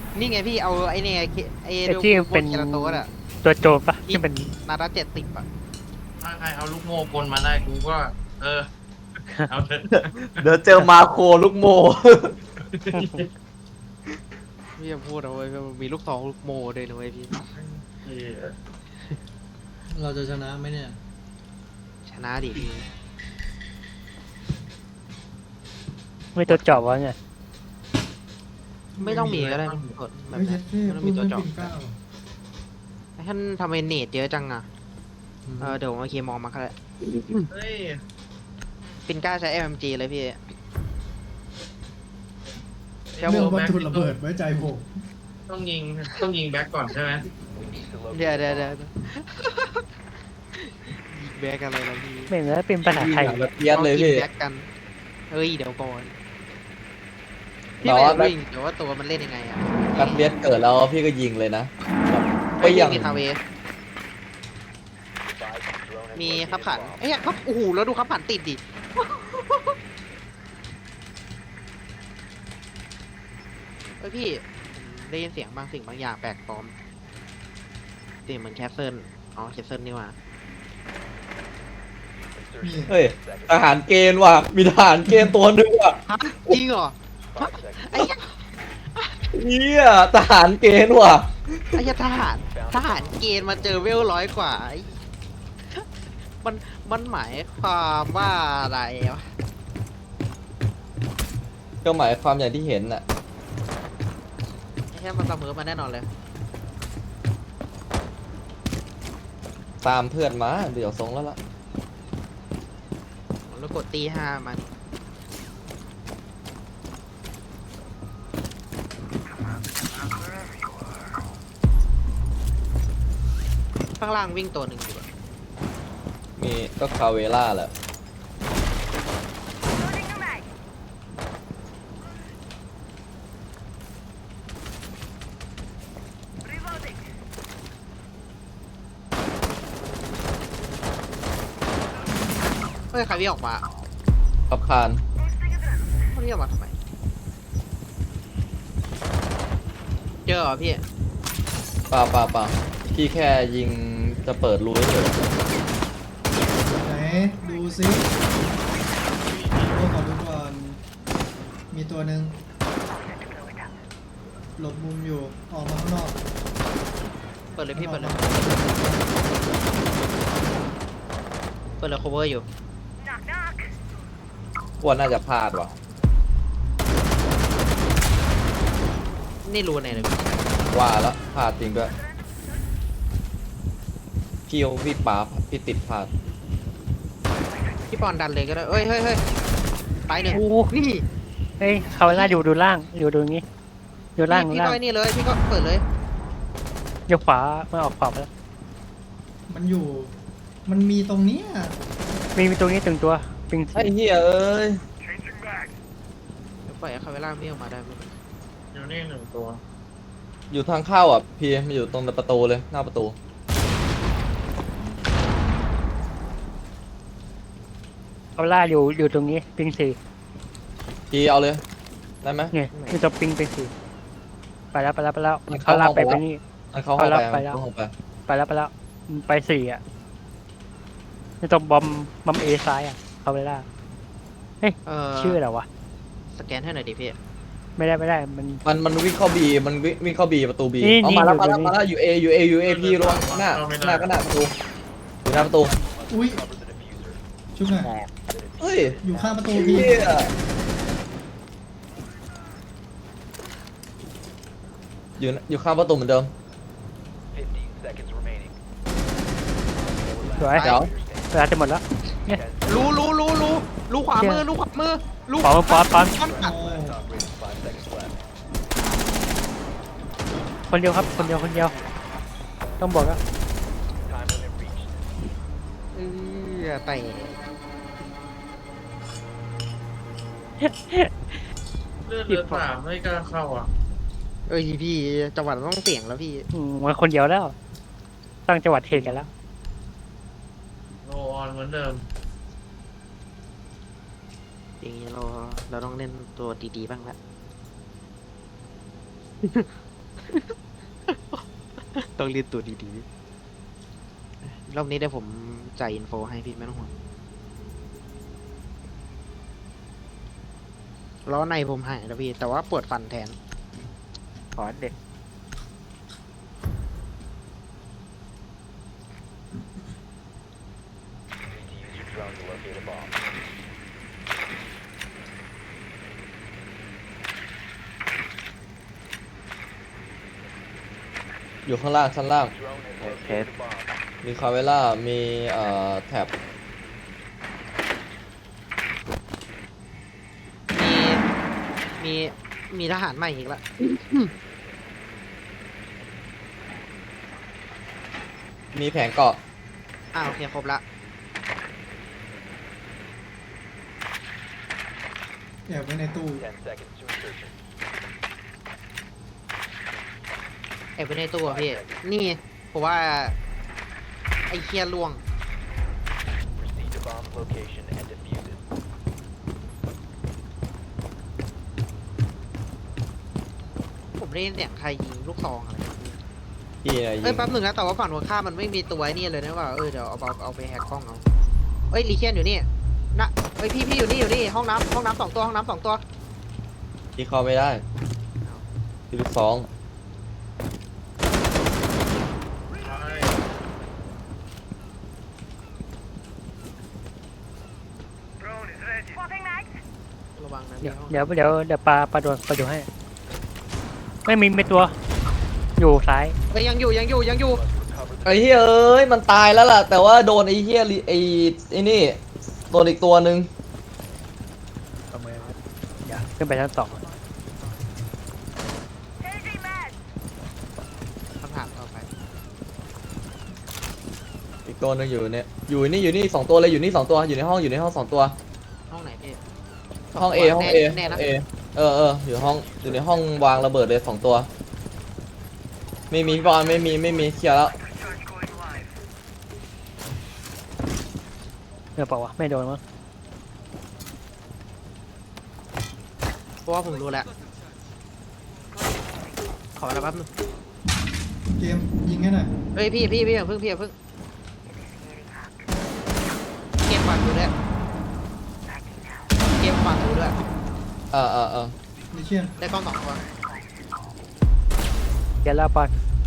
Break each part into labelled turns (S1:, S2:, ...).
S1: นี่ไงพี่เอาไอ้เนี่ยไอ้
S2: ไอ้ที่เป็น
S1: เคราโตสอะ
S2: ตัวโจรปะที่เป็น
S1: นาดา70อะ
S3: ถ้าใครเอาลูกโม่กลมาได้กูก็ เออ เอาเถอะ
S4: เดี๋ยวเจอมาโครลูกโม
S1: พี่จะพูดเอาไว้มันมีลูกซองลูกโม่ด้วยนะเว้ยพี่
S5: เราจะชนะไหมเนี่ย
S1: ชนะดิพี่
S2: ไม่ตัวเจาะวะเนี่ย
S1: ไม่ต้องมีก็ได้กดแบบ
S5: ไม่
S1: นั้
S5: ใช่
S1: น
S5: เท่
S1: ไม่ต้อง
S5: พู
S1: มี
S5: ด
S1: ตัว
S5: เรื่อง
S1: เจาะ
S5: ปิ่นเกล้า
S1: ท่านทำไมเนตเยอะจังอะเดี๋ยวผมเอาเคมองมาก็ได้
S3: เฮ้ย
S1: ปินก้าใช้ MMG เลยพี่
S3: เดี๋ยว
S5: เรื่องวัต
S3: แบ็ค
S5: ถุระเบิดไว้ใจผม
S3: ต้องยิงแบ็คก่อนใช่ไหม
S1: เดี๋ยวแบกอะไรล่ะพี่
S2: ไม่เหมือนเป็นภาษาไทย
S4: แบบเพี้ยนเลยพี่
S1: แบกกันเฮ้ยเดี๋ยวก่อนพี่
S4: แต่
S1: ไม่
S4: ว่า
S1: รู้จริงแต่ว่าตัวมันเล่นยังไงอะ
S4: แบบเลียดเกิดแล้วพี่ก็ยิงเลยนะแบบก็
S1: ไม่
S4: ยัง
S1: มีคาเวมีขับขันเอ้ยครับโอ้โหแล้วดูขับขันติดดิเฮ้ยพี่ผมได้ยินเสียงบางสิ่งบางอย่างแปลกปลอมเสียงเหมือนแคสเซิลอ๋อแคสเซิลนี่หว่า
S5: นี่
S4: เฮ้ยทหารเกณฑ์ว่ะมีทหารเกณฑ์ตัวนึงว่ะ
S1: ฮะจริงเหรอฮะไอ้เหี้ย
S4: เนี่ยทหารเกณฑ์ว่ะ
S1: ไอ้เหี้ยทหารเกณฑ์มาเจอเวล100 กว่าไอ้มันหมายความว่าอะไรวะ
S4: ก็หมายความอย่างที่เห็นน่ะ
S1: ไอ้เหี้ยมันเสมอมาแน่นอนเลย
S4: ตามเพื่อนมาเดี๋ยวทรงแล้วล่ะ
S1: แล้วกดตีห้ามันข้างล่างวิ่งตัวหนึ่งอยู่อะ
S4: มีก็คาเวล่าแหละ
S1: เฮ้ยใครวิ่งออกมา
S4: ขับคาน
S1: เขาวิ่งออกมาทำไมเจอเหรอพี่
S4: เปล่าพี่แค่ยิงจะเปิดรูเฉย
S5: ไหนดูซิโอ้ขอดูก่อน มีตัวหนึ่งหลบมุมอยู่ ออกมาข้างนอก
S1: เปิดเลยพี่เปิดเลยcover อยู่
S4: ว่าน่าจะพลาดว่ะ
S1: นี่รู้ไหนเลยพี่
S4: ว่าแล้วพลาดจริงด้วยพี่ป๋าพี่ติดพลาด
S1: พี่ปอนดันเลยก็ได้เฮ้ยตายหนึ่ง
S2: โอ้โห
S1: นี่
S2: เฮ้ยเขาหน้าอยู่ดูล่างอยู่ดูงี้อยู่ล่าง
S1: พี่
S2: ล่าง
S1: ก็ไอ้นี่เลยพี่ก็เปิดเลย
S2: อยู่ขวาไม่ออกขวาไปแล้ว
S5: มันอยู่ มันมีตรงเนี้ย
S2: มีตรงนี้ตึงตัวปิง
S4: ไอ้เหี้ยเอ้ย
S1: เดี๋ยวปล่อยให้คาเวล่าไม่ออกมาได้ไหม
S3: อยู่นี่หนึ่งตัว
S4: อยู่ทางเข้าอ่ะพี่มันอยู่ตรงประตูเลยหน้าประตู
S2: เขาล่าอยู่ตรงนี้ปิงสี่
S4: พี่เอาเลยได้ไหม
S2: เนี่ยมีตัวปิงสี่ไปแล้ว
S4: มัน
S2: เขา
S4: เข้า
S2: ล่า
S4: ห้อง
S2: ไป
S4: ไปแล้ว
S2: นี่
S4: มันเข้าห้องไป
S2: ไปแล้ว
S4: เข้าห้องไป
S2: ไปแล้วไปสี่อ่ะมีตัวบอมเอซ้ายอ่ะเขาไปล่า ชื่ออะไรวะ
S1: สแกนให้หน่อยดิพี่
S2: ไม่ได้มัน
S4: วิ่งเข้าบีมันวิ่งเข้าบีประตูบี
S2: นี่
S4: เอามาแล้ว
S2: นี่
S4: มาแล้ว
S2: อยู่
S4: อยู่เอพี่ลงหน้าก็หน้าประตูอยู่หน้าประตู
S5: อุ้ย ชุบหน่อย
S4: เฮ้ย
S5: อยู่ข้างประตูพี่
S4: เหี้ยอยู่ข้างประตูเหมือนเดิม
S2: สวย
S4: เดี๋ยว
S2: เวลาจะหมดแล้ว
S1: รู้ขวามือรู้
S2: ปอน
S1: ข
S2: ป
S1: วา
S2: อน
S1: อ่ะ
S5: โอ้
S2: คนเดียวครับคนเดียวต้องบอกแล้ว
S1: แต่
S3: เลือดเหลือ3ไม่กล้าเข้าอ่ะ
S1: เอ้ยพี่จังหวะต้องเสี่ยงแล้วพี่
S2: มันคนเดียวแล้วตั้งจังหวัดเทกันแล้ว
S3: โลออนเหมือนเดิม
S1: อย่างนี้เราต้องเล่นตัวดีๆบ้างละต้องเรียนตัวดีๆรอบนี้เดี๋ยวผมจ่ายอินโฟให้พี่ไม่ต้องห่วงล้อในผมหายแล้วพี่ แต่ว่าปวดฟันแทน
S2: ขอเด็ก
S4: อยู่ข้างล่างชั้นล่าง
S2: เทส
S4: มีคาเวล่ามีแท็บ
S1: มี มีทหารใหม่อีกแล้ว
S4: มีแผงเกาะ
S1: โอเคครบละ
S5: แอบไว้ในตู้
S1: ไอ้ไปในตัวพี่ นี่ผมว่า ไอ้เคียล่วง ผมได้ยินเสียงใครยิงลูกซองอะไรแบบนี้
S4: พี่นะยิ
S1: เอ้ย
S4: ง
S1: แป๊บหนึ่งนะแต่ว่าฝั่งหัวข้ามมันไม่มีตัวไอ้นี่เลยนะว่าเดี๋ยวเอาไปแฮกกล้องเอาเอ้ยรีเคียนอยู่นี่นะเอ้ยพี่อยู่นี่ห้องน้ำสองตัวห้องน้ำสองตัว
S4: พี่เข้าไม่ได้พี่ลูกสอง
S1: ระวังนะ
S2: เดี๋ยว
S1: พี่
S2: เดี๋ยวปลาโดนให้ ไม่ตัว อยู่ซ้าย
S1: เอ้ยยังอยู่
S4: ไอ้เหี้ยเอ้ยมันตายแล้วล่ะ แต่ว่าโดนไอ้เหี้ยไอ้นี่โดนอีกตัวหนึ่ง
S2: อย่าขึ้นไปชั้น 2
S1: คำถามต่อไป
S4: อีกตัวหนึงอยู่เนี่ยอยู่นี่สองตัวเลยอยู่นี่สองตัวอยู่ในห้องสองตัว
S1: ห้องไหนพี่
S4: ห้อง A ห้อง A
S1: แน่นะ
S4: เออยู่ในห้องวางระเบิดเลยสองตัวไม่มีพี่บอลไม่มีเคลียร์แล้ว
S2: เดี๋ยวเปล่าวะไม่โดนมั้ง
S1: เพราะว่าผมรู้แล้วขอแล้วแป๊บนึง
S5: เกมยิงให้หน่อย
S1: เฮ้ยพี่อย่าเพิ่งเกมฝากดูด้วยเกมฝากดูด้วย
S5: ลิเชียน
S1: ได้กล้อง2 ตัว
S2: เดี๋ยวลาปอน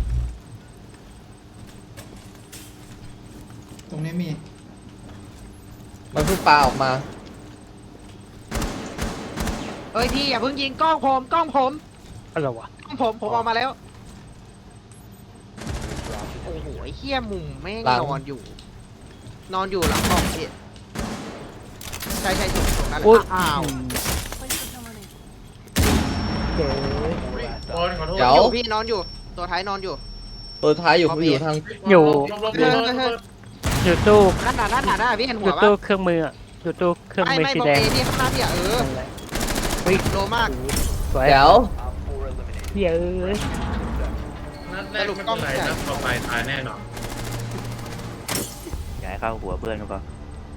S5: ตรงนี้มี
S4: มันเพิ่งปาออกมา
S1: เฮ้ยพี่อย่าเพิ่งยิงกล้องผม
S2: อะไรวะ
S1: ผมเอามาแล้วโอ้โหไอ้เหี้ยมุมแม่ง
S4: หลัง
S1: นอนอยู่หลังกล้องพี่ใช่ถูกนั่นแห
S2: อุ๊ย
S1: ละอ้าว
S2: เจ๋อ
S3: โอ้ยขอโทษ
S4: เดี๋ยว
S1: พี่นอนอยู่ตัวท้ายนอนอยู่
S4: ตัวท้ายอยู่
S1: เอาไป
S4: อยู่ทาง
S2: อยู่
S3: ลบ
S2: อยู่ตู้
S1: นั่นน่ะพี่เห็น
S2: อ
S1: หัว
S2: ยู่
S1: ปะ
S2: ตู้เครื่องมืออะอยู่ตู้เครื่องมือ
S1: ไม่
S2: สี
S1: บอก
S2: แดง
S1: เอพี่ข้างหน้าพี่อ่ะ
S2: นั่นแหละ
S1: โลมาก
S2: สวย
S4: เดี๋ยว
S2: เหี้ยเอ้ย
S3: นัดแรกไม่เป็นไรนัดต่อไปตายแน่นอน
S6: อย่าให้เข้าหัวเพื่อนก็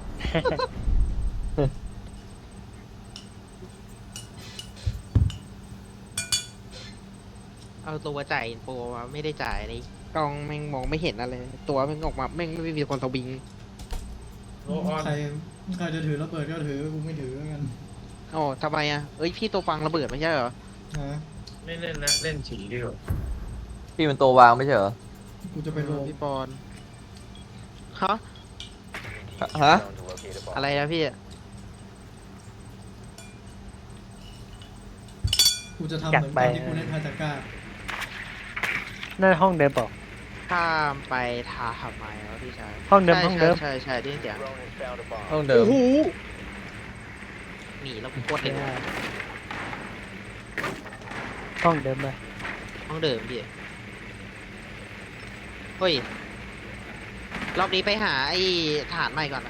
S1: เอาตัวจ่ายอินโฟมาไม่ได้จ่ายเลยกล้องแม่งมองไม่เห็นอะไรตัวแม่งออกมาแม่งไม่มีคนสวิง
S3: โลออน
S5: ใครจะถือระเบิดก็ถือกูไม่ถือกัน
S1: โอ้ทำไมอ่ะเอ้ยพี่ตัวฟังระเบิดไม่ใช่เหรอ
S5: นะ
S3: ไม่เล่นแล้วเล่นฉีดีกว่า
S4: พี่เป็นตัววางไม่ใช่เหรอ
S5: กูจะไปโล
S1: พี่ปอนฮะ
S4: ฮะ
S1: อะไรนะพี่
S5: กูจะทำเหมือนตอนที่กูเล่นพาจาก้า
S2: นั่นห้องเดิมเปล่า
S1: ข้ามไปทาทำไมวะพี่ชาย
S2: ห้องเดิม
S1: ใช่
S2: ห้องเดิม
S1: ใช่ได้ยินเสียง
S4: ห้องเดิม
S1: หนีแล้วกูโคตรเด็ก
S2: ห้องเดิมเลย
S1: ห้องเดิมพี่เฮ้ยรอบนี้ไปหาไอ้ฐานใหม่ก่อนนะ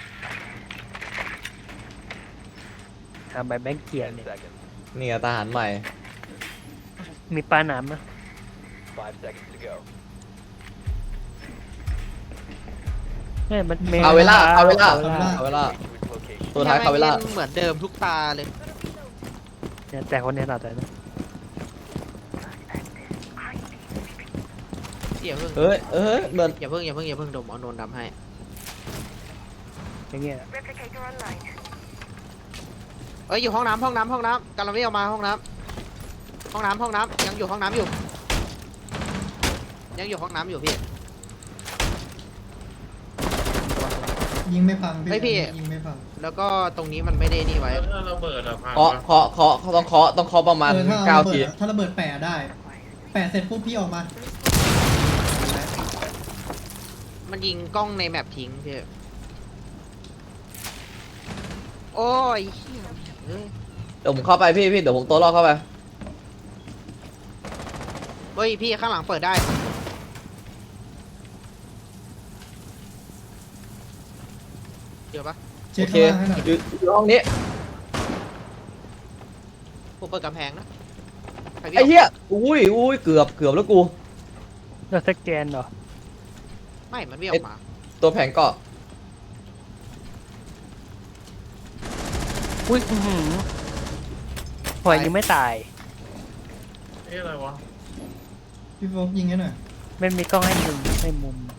S2: หาใบแบงค์เกียร์เนี่ย
S4: นี่ไงทหารใหม่
S2: มีปลาหนามนะเนี่ยมันมี
S4: คาเวล่า
S5: เ
S4: ตัวท้ายคาเวล่า
S1: แม่งเหมือนเดิมทุกตาเลย
S2: เนี่ยแต่คนนี้หนาแต่นะ
S1: อย่าเพิ่ง
S4: เอ้ยเหมือน
S1: อย่าเพิ่งเดี๋ยวผมเอาโดนดำให้
S2: อย่างเงี้ย
S1: เอ้ยอยู่ห้องน้ำกำลังไม่ออกมาห้องน้ำยังอยู่ห้องน้ำอยู่พี่
S5: ยิงไม่พัง
S1: เฮ้ยพี่
S5: ยิงไม่พัง
S1: แล้วก็ตรงนี้มันไม่ได้นี่ไว้
S3: แล้วถ้าระเบิดอะพัง
S4: เคาะต้องเคาะประมาณ
S5: ถ้า
S4: 9 ที
S5: ถ้าระเบิดแปะได้ แปะเสร็จปุ๊บพี่ออกมา
S1: มันยิงกล้องในแมปทิ้งพี่โอ้ยเหี้ยเอ้ย
S4: เดี๋ยวผมเข้าไปพี่เดี๋ยวผมตัวรอดเข้าไป
S1: เฮ้ยพี่ข้างหลังเปิดได้เดี๋ยวปะ
S5: เช็
S4: โอ
S5: ค
S4: เค
S5: ข้างล่างให้หน่อย
S4: อยู่ห้องนี้
S1: ผมเปิดกำแพงนะใครพี่
S4: ไอ้เหี้ยอุ้ยเกือบแล้วกู
S2: เราสแกนเหรอ
S1: ไม่มันไม่ออกมา
S4: ตัวแผงเกาะ
S2: อุ้ยหัวยังไม่ตาย
S3: เอ๊ะอะไรวะ
S5: พี่โฟกยิงให้หน่อย
S2: ไม่มีกล้องให้มุม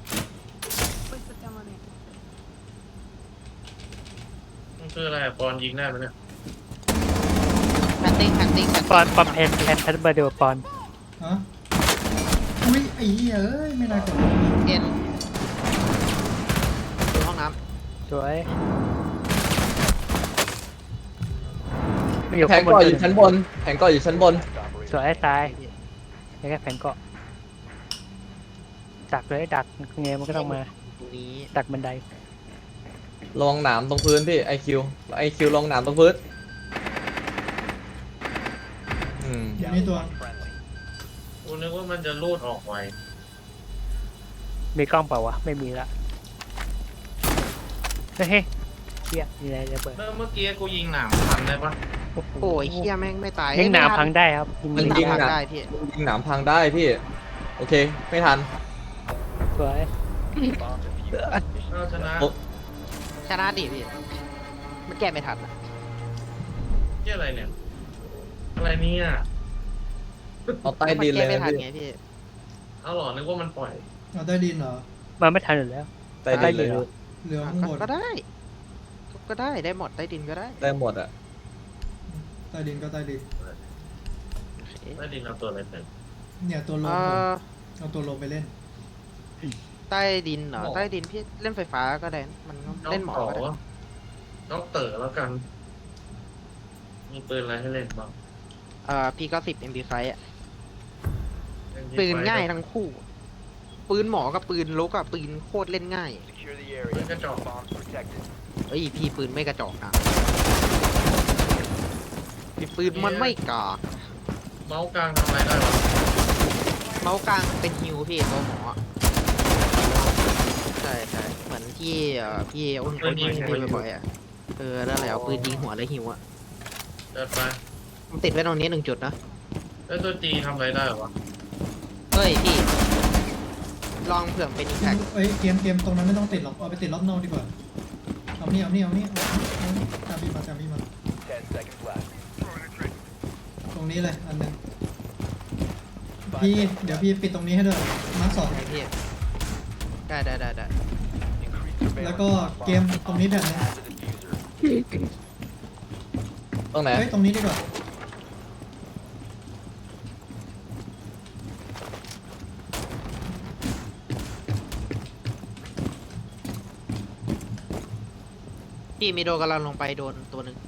S3: มันคืออะไรอะปอนยิงได้ไหมเนี่ย
S1: แพนติ้ง
S2: ปอนปอมแพนเบอร์เดวปอน
S5: ฮะอุ้ยไอ้เหี้ยเอ้ยไม่น่ากด
S1: เอ็นอยู่ห้องน้
S2: สวยไม่อยู่
S4: แผ
S2: ข้าง งบน
S4: เกาะอ
S2: เลย
S4: ยู่ชั้นบนแผงเกาะอยู่ชั้นบน
S2: สวยตายแค่แผงเกาะดักเลยดักไงมันก็ต้องมา
S1: ำตรงนี้
S2: ดักบันได
S4: ลองหนามตรงพื้นพี่ไอคิวลองหนามตรงพื้น
S5: เดี๋ยวนี้ตัว
S3: กูนึกว่ามันจะรูดออกไว
S2: มีกล้องเปล่าวะไม่มีละเฮ้ยเฮียมีอะไรจะเปิด
S3: เมื่อกี้กูยิงหนามพันได้ปะ
S1: โอ้ยเฮียแม่งไม่ตาย
S2: ยิงหนามพังได้ครับ
S1: ยิงหนามพังได้พี่
S4: ยิงหนามพังได้พี่โอเคไม่ทัน
S2: สวย
S3: เราชนะ
S4: โอ้
S1: ชนะดิพี่มันแก้ไม่ทันอะ
S3: ที่อะไรเนี่ยอะไรเนี่ย
S4: เอาใต้ดิน
S1: มั
S4: เลย
S1: แก้ไม่
S4: นะ
S1: ทัน
S4: พี่
S1: ไงพี่
S3: เอาหรอนึกว่ามันปล่อย
S5: เอาใต้ดินเหรอ
S2: มันไม่ทันอยู่แล้ว
S4: ใต้ดินเลย
S2: ใต้ดินเหรอ
S5: เหลือข้างบน
S1: ก็ได้ก็ได้หมดใต้ดินก็ได้
S4: ได้หมดอ่ะ
S5: ใต้ดินก็ใต้ดิน
S1: โอเค
S3: ได้ดินเอาตัวอะไรเป็น
S5: เนี่ยตัวลง
S1: เอ่อ
S5: เอาตัวลงไปเล่น
S1: ใต้ดินเหรอใต้ดินพี่เล่นไฟฟ้าก็ได้มันเล่นหมอก็ได้
S3: ด็อกเตอร์แล้วกัน มีปืนอะไรให้เล่นบ้าง
S1: พี่ก็10 MP5 อ่ะปืนง่ายทั้งคู่ ปืนหมอกับปืนลกอะปืนโคตรเล่นง่าย
S3: ปืนกระจอก
S1: เอ้ยพี่ปืนไม่กระจอกนะพี่ปืนมันไม่กาก
S3: เมาส์กลางทำอะไรได้วะ
S1: เมาส์กลางเป็นฮิวพี่ตัวหมออะใช่เหมือนที่พี่อ้นคนยิงพี่บ่อยๆอ่ะนั่นแหละเอาปืนยิงหัวแล้วฮิวอ่ะ
S3: เดินไป
S1: มันติดไว้ตรงนี้1 จุดนะ
S3: แล้วตัวจีทำอะไรได้วะ
S1: เฮ้ยพี่ลองเผื่อเป็นอิมแพค
S5: เอ้ยเกมตรงนั้นไม่ต้องติดหรอกเอาไปติดรอบนอกดีกว่าเอานี่ตามพี่มาตรงนี้เลยอันหนึงพี่เดี๋ยวพี่ปิดตรงนี้ให้ด้วยมาร์ค 2
S1: ไหนพี่ได้
S5: แล้วก็เกมตรงนี้แบบนี้
S4: ตรงไหน
S5: เฮ้ยตรงนี้ดีกว่า
S1: พี่มีโดนกำลังลงไปโดนตัวหนึ่ง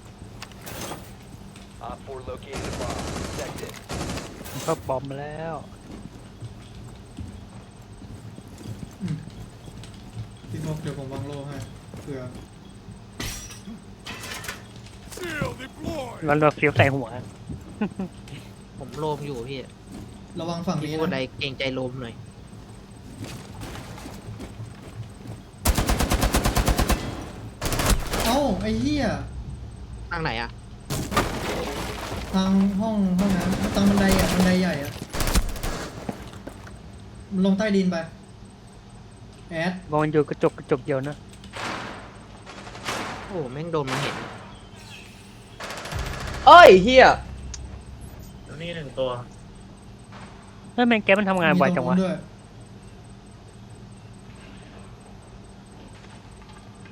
S2: มันก็บอมมาแล้ว
S5: พี่โฟกเดี๋ยวผมวางโล่ให้เผื่อ
S2: มันเราฟิวใส่หัว
S1: ผมโลมอยู่พี่
S5: ระวังฝั่ง
S1: พี่
S5: นี้
S1: พูดอะไร
S5: นะ
S1: เกรงใจโลมหน่อย
S5: เอ้าไอ้เหี้ย
S1: ทางไหนอ่ะ
S5: ทางห้องน้ำตรงบันไดอ่ะบันไดใหญ่อ่ะมันลงใต้ดินไปแอด
S2: มองอยู่กระจกเดียวนะ
S1: โอ้แม่งโดนมันเห็น
S4: เอ้ยเฮีย
S3: แล้วนี่1 ตัว
S2: เฮ้ยแมงแกมันทำงานไวจังวะ
S5: มีตรนู้นด้วย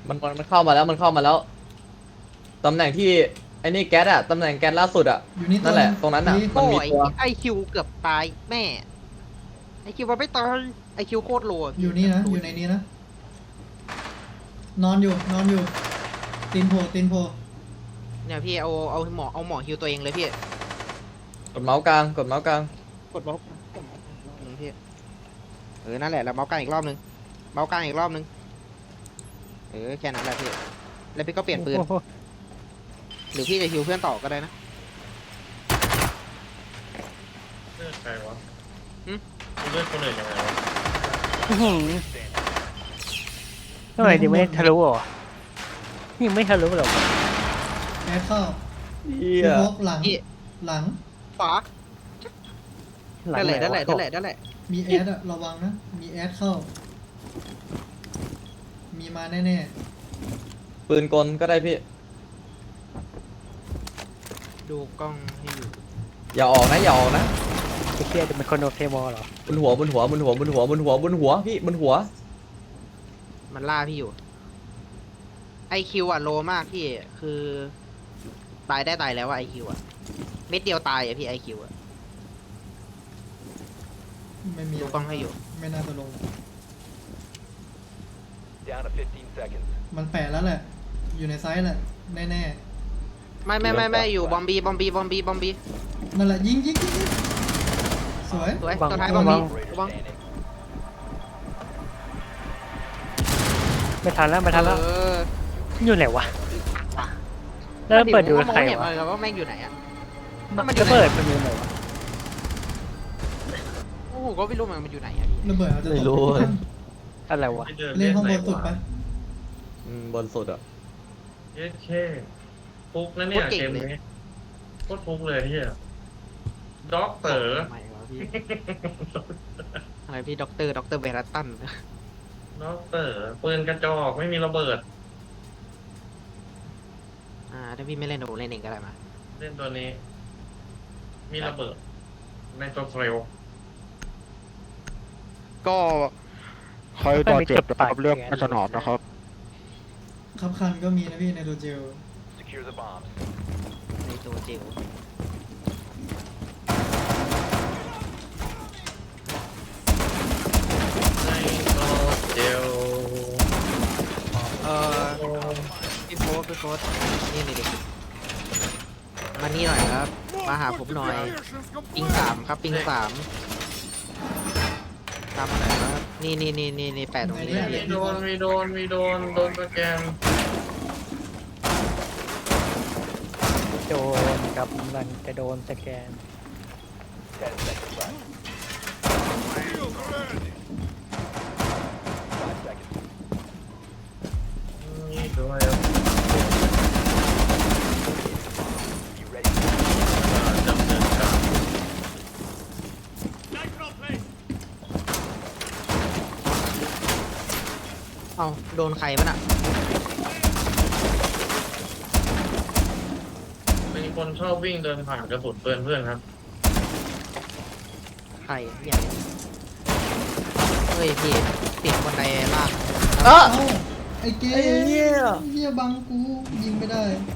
S4: มันเข้ามาแล้วมันเข้ามาแล้วตำแหน่งที่ไอ้นี่แก๊สอะตำแหน่งแก๊สล่าสุดอะ
S5: อยู่นี่ตัว
S4: นั่นแหละ
S5: ง
S4: ตรงนั้นน่ะ
S5: นี่
S4: มัน
S1: โอ้
S4: มี
S1: ย
S4: ตัว
S1: ไอคิวเกือบตายแม่ไอคิวมันไม่ตายไอคิวโคตรโลอะพี่
S5: อยู่นี่นะอยู่ในนี้นะนอนอยู่ตีนโผล่
S1: เนี่ยพี่เอาหมอฮิวตัวเองเลยพี่
S4: กดเมาส์กลางกดเมาส์กลาง
S1: กดเมาส์พี่นั่นแหละแล้วเมาส์กลางอีกรอบนึงเมาส์กลางอีกรอบนึงแค่นั้นแหละพี่แล้วพี่ก็เปลี่ยนปืน
S2: โอ้โห
S1: หรือพี่จะฮิวเพื่อนต่อก็ได้นะ
S3: เลือดใครวะ
S1: หึ
S3: เลือดคนอื่นยังไงวะ
S2: อื้อหือทำไมดิไม่ทะลุเหรอยังไม่ทะลุหรอก
S5: แอดเข้า
S4: เฮี
S5: พี่
S4: ย
S5: โฟกหลัง
S1: พี่
S5: หลัง
S1: ขวา
S2: หลัง
S1: นั่นแหละ
S2: ไว
S1: นั่นแหละนั่นแหละนั่นแหละ
S5: มีแอดอะระวังนะมีแอดเข้า มีมาแน่
S4: ปืนกลก็ได้พี่
S1: ดูกล้องให้อยู่
S4: อย่าออกนะอย่าออกนะ
S2: ไอ้เชี่ยจะเป็นคนโอเคมอลเหรอบ
S4: นหัวพี่บนหัว
S1: มันล่าพี่อยู่ไอคิวอะโลมากพี่คือตายได้ตายแล้วอะไอคิวอะเม็ดเดียวตายอะพี่ไอคิวอะ
S5: ๆไม่มี
S1: ดูกล้องให้อยู่
S5: ไม่น่าจะลง
S6: Down to 15 seconds.
S5: มันแปะแล้วแหละ อยู่ในไซส์แหละแน่
S1: ไม่อยู่บอมบี
S5: ๆนั่นแหละยิงสวย
S1: สวยตัวท้ายบอมบีระวัง
S6: Standing.
S2: ไม่ทันแล้วไม่ทันแล้ว
S1: เออ
S2: อยู่ไหนวะแล้วเปิดดู
S1: มอง
S2: ใคร
S1: ไม่เห็น
S2: วะ
S1: เลยว่าแม่งอยู่ไหนอะ
S2: จะเปิดมันอยู่ไหนวะ
S1: โอ้โหก็ไม่รู้มันอยู่ไหนอะพี่
S5: ระเบิดอาจจะตก
S4: ไม่รู้
S2: อะไรวะ
S3: ไม่เดิน
S5: เล่นห้องบ
S3: ไห
S5: นสุด
S3: วะ
S5: ปะ
S4: บนสุดอะ
S3: เย้แค่ฟุกนะเนี่ยเกมนี้โคตรฟุกเลยเฮียด็อกเตอร์
S1: ทำไมวะพี่อะไรพี่ด็อกเตอร์เบรัตตัน
S3: ด็อกเตอร์ปืนกระจอกไม่มีระเบิด
S1: ถ้าพี่ไม่เล่นโดเล่นเองก็ได้มา
S3: เล่นตัวนี้ มีระเบิด ในตัวเฟล
S1: ก็
S2: ใครต่อเจ็บนะครับเลือกมาสนอมนะครับ
S5: คับคันก็มีนะพี่ในตัวเจล
S6: Secure the bombs.
S1: ในตัวเจล
S3: ในตัวเจล
S1: พี่โฟสนี่เด็กมานี่หน่อยครับ มาหาผมหน่อย ปิง3ครับปิง3ตามมาหน่อยครับนี่แปะตรงนี้
S3: มีโดนสแกน
S2: โดนกำลังจะโดนสแกน
S6: 10 seconds left. 5 seconds.
S3: นี่ด้วย
S6: Be ready.
S3: ดำเนินการ
S1: เอาโดนใครมันอ่ะ
S3: เป็นคนชอบวิ่งเดินผ่านกระสุนเพื่อนครับ
S1: ใครเนี่ยเฮ้ยพี่เสียงบันไดล่าง
S4: เอ้า
S5: เอ้าไอ้เกม
S4: ไอ้เหี้ย
S5: เหี้ยบังกูยิงไม่ได้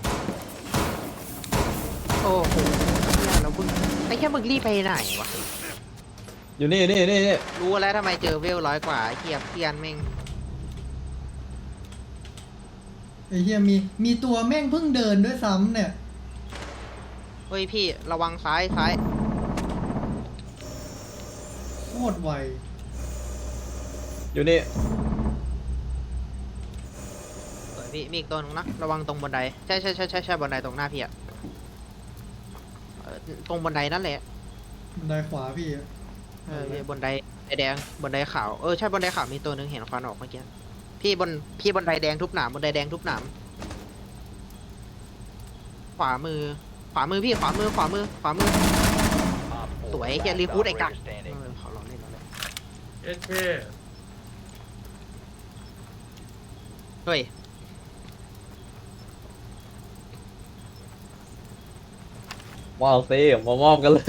S1: โอ้โหเนี่ยเราเพิ่งไอ้แค่มึงรีบไปไหนวะ
S4: อยู่นี่
S1: รู้แล้วทำไมเจอเวล100 กว่าไอ้เกียบเกียนแม่ง
S5: ไอ้เหี้ยมีตัวแม่งเพิ่งเดินด้วยซ้ำเนี่ย
S1: เฮ้ยพี่ระวังซ้าย
S5: โคตรไว
S4: อยู่นี่
S1: สวยพี่มีอีกตัวนึงนะระวังตรงบันไดใช่บันไดตรงหน้าพี่อะตรงบันไดนั่นแหละ
S5: บันไดขวาพี่อะ
S1: พี่บันไดแดงบันไดขาวใช่บันไดขาวมีตัวนึงเห็นควันออกเมื่อกี้พี่บันไดแดงทุบหนามบันไดแดงทุบหนามขวามือพี่ขวามือ
S6: Op 4.
S1: สวย
S6: last
S1: เฮียรีฟูดไอ้กัก
S6: operator standing.
S1: ขอลองเล่น
S3: เอ๊ะแค่
S1: เฮ้ย
S4: ว้าวซิมามอบกันเลย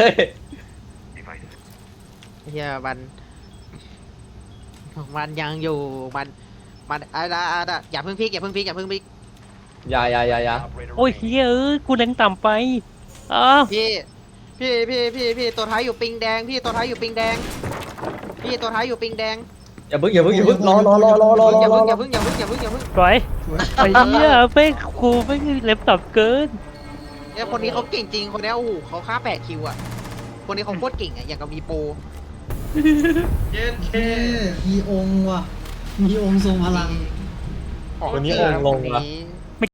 S1: เฮียมันยังอยู่มาอย่าเพิ่งพลิกอย่าเพิ่งพลิกอย่าเพิ่งพลิก
S4: อย่า
S6: Operator
S2: โอ้ย
S6: remaining.
S2: เฮ้ยกูเล็งต่ำไปอ้าว
S1: พี่ตัวท้ายอยู่ปิงแดงพี่ตัวท้ายอยู่ปิงแดงพี่ตัวท้ายอยู่ปิงแดง
S4: อย่าเพิ่งรอ
S1: อย่าเพิ่งอย่าเพิ่งอย่าเพิ่งอย่าเพิ่งอย่าเพิ่ง
S2: ปล่อย
S5: สวย
S2: ไอ้เหี้ยแม่งกูแม่งเล็บต่ำเกิน
S1: เนี่ยคนนี้เขาเก่งจริงคนนี้โอ้โหเขาฆ่า8 คิวอ่ะคนนี้เขาโคตรเก่งอ่ะอย่างกับมีโปร
S3: เย็นเค
S5: เท่มีองค์ว่ะ มีองค์ทรงพลัง
S1: ของ
S4: วันนี้
S1: จริ
S4: องค์ลง
S1: คน
S4: ละ
S1: นี้